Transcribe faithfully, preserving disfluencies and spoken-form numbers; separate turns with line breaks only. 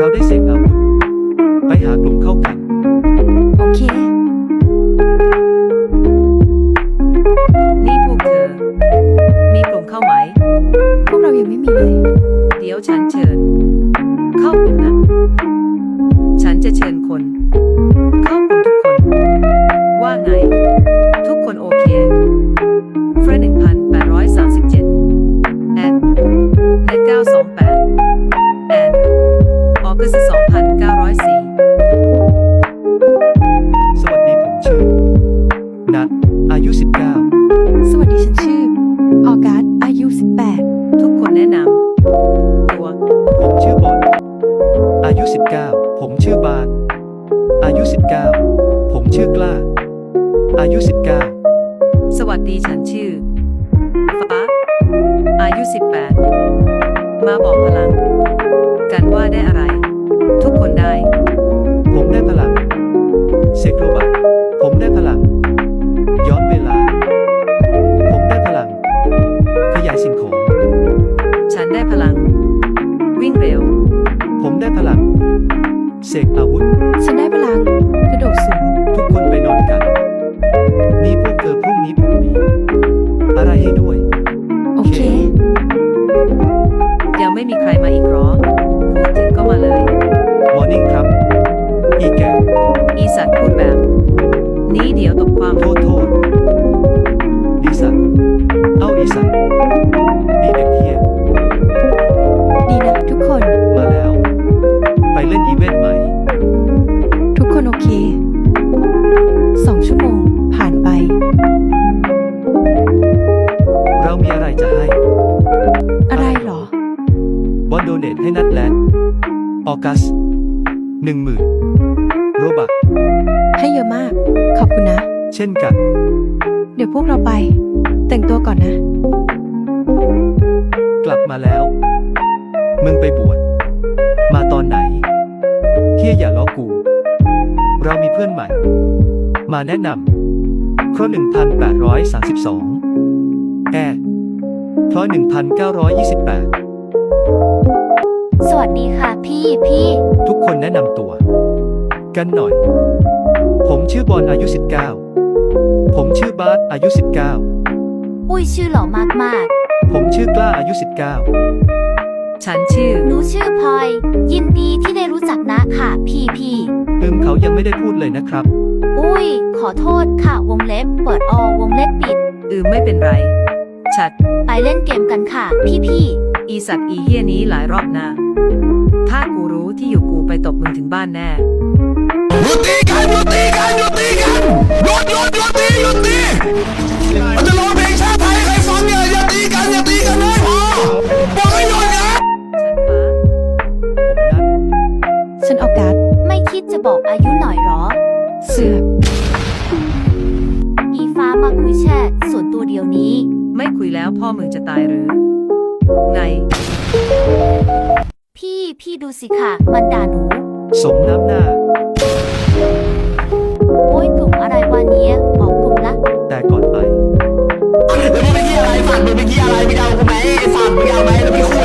ได้เสกอาวุธไปหากลุ่มเข้ากัน
โอเค
นี่พวกเธอมีกลุ่มเข้าไหม
พวกเรายังไม่มีเลย
เดี๋ยวฉันเชิญเข้ากลุ่มนะฉันจะเชิญคนเข้ากลุ่มทุกคนว่าไงทุกคนโอเคเฟรนหนึ่งพันแปดร้อยสามสิบเจ็ดแอนเน็ตเก้าสองแปดแอนออกัสสองพันเก้าร้อยสี่
สวัสดีผมชื่อนัทอายุสิบเก้า
สวัสดีฉันชื่อออกัสอายุสิบแปด
ทุกคนแนะนำตัว
ผมชื่อบอลอายุสิบเก้าผมชื่อบาสอายุสิบเก้าผมชื่อกล้าอายุสิบเก้า
สวัสดีฉันชื่อฟ้าอายุสิบแปดมาบอกพลังกันว่าได้อะไรทุกคนได้
ผมได้พลังเสกโรบัตผมได้พลังย้อนเวลาผมได้พลังขยายสิ่งของ
ฉันได้พลังวิ่งเร็ว
ผมได้พลังเสกอาวุธ
ฉันได้พลังกระโดดสูง
ทุกคนไปนอนกันนี่พวกเธอพรุ่งนี้ผมมีอะไรให้ด้วย
โอเค
ยังไม่มีใครมาอีกหรอพูดถึงก็มาเลย
มอร์นิ่งครับอีแก
อีสัตว์พูดแบบนี้เดี๋ยวตบความ
โทษโทษดีสัตว์เอ้าอีสัตว์ดีเด็กเฮีย
ดีนะทุกคน
มาแล้วไปเล่นอีเวนต์ไหม
ทุกคนโอเคสองชั่วโมงผ่านไป
เรามีอะไรจะให้
อะไรหร
อบอลโดเนทให้นัดแลนออกัสหนึ่งหมื่นโรบัก
ให้เยอะมากขอบคุณนะ
เช่นกัน
เดี๋ยวพวกเราไปแต่งตัวก่อนนะ
กลับมาแล้วมึงไปบวชมาตอนไหนเฮียอย่าล้อกูเรามีเพื่อนใหม่มาแนะนำเพราะหนึ่งพันแปดร้อยสามสิบสองแอร์เพราะหนึ่งพันเก้าร้อยยี่สิบแปด
สวัสดีค่ะพี่พี่
ทุกคนแนะนำตัวกันหน่อยผมชื่อบอลอายุสิบเก้าผมชื่อบาสอายุสิบเก้า
อุ้ยชื่อหล่อมากมาก
ผมชื่อกล้าอายุสิบเก้า
ฉันชื่อ
หนูชื่อพลอยยินดีที่ได้รู้จักนะค่ะพี่พี่
อืมเขายังไม่ได้พูดเลยนะครับ
อุ้ยขอโทษค่ะวงเล็บเปิดอวงเล็บปิด
อืมไม่เป็นไรชัด
ไปเล่นเกมกันค่ะพี่พี่
อีสัตว์อีเฮียนี้หลายรอบนะถ้ากูรู้ที่อยู่กูไปตบมึงถึงบ้านแน่
หยุดตีกันหยุดตีกันหยุดตีกันหยุดหยุดหยุดตีหยุดตีมันจะร้องเพลงชาติไทยให้ใครฟังเนี่ยอย่าตีกันอย่าตีกันเลยพอบอกให้หยุดนะ
ฉันฟ้า
ผมนัด
ฉันออกัส
ไม่คิดจะบอกอายุหน่อยหรอ
เสือก
อีฟ้ามาคุยแชทส่วนตัวเดียวนี้
ไม่คุยแล้วพ่อมึงจะตายหรือไง
พี่พี่ดูสิค่ะมันด่าหนู
สมน้ำหน้า
โอ้ยกลุ่มอะไรวะเนี้ยออกกลุ่มละ
แต่ก่อนไป
แล้วมึงไปที่อะไรสัตว์มึงไปที่อะไรมึงเอากูไหมไอ้สัตว์มึงเอาไหมแล้วพี่คุ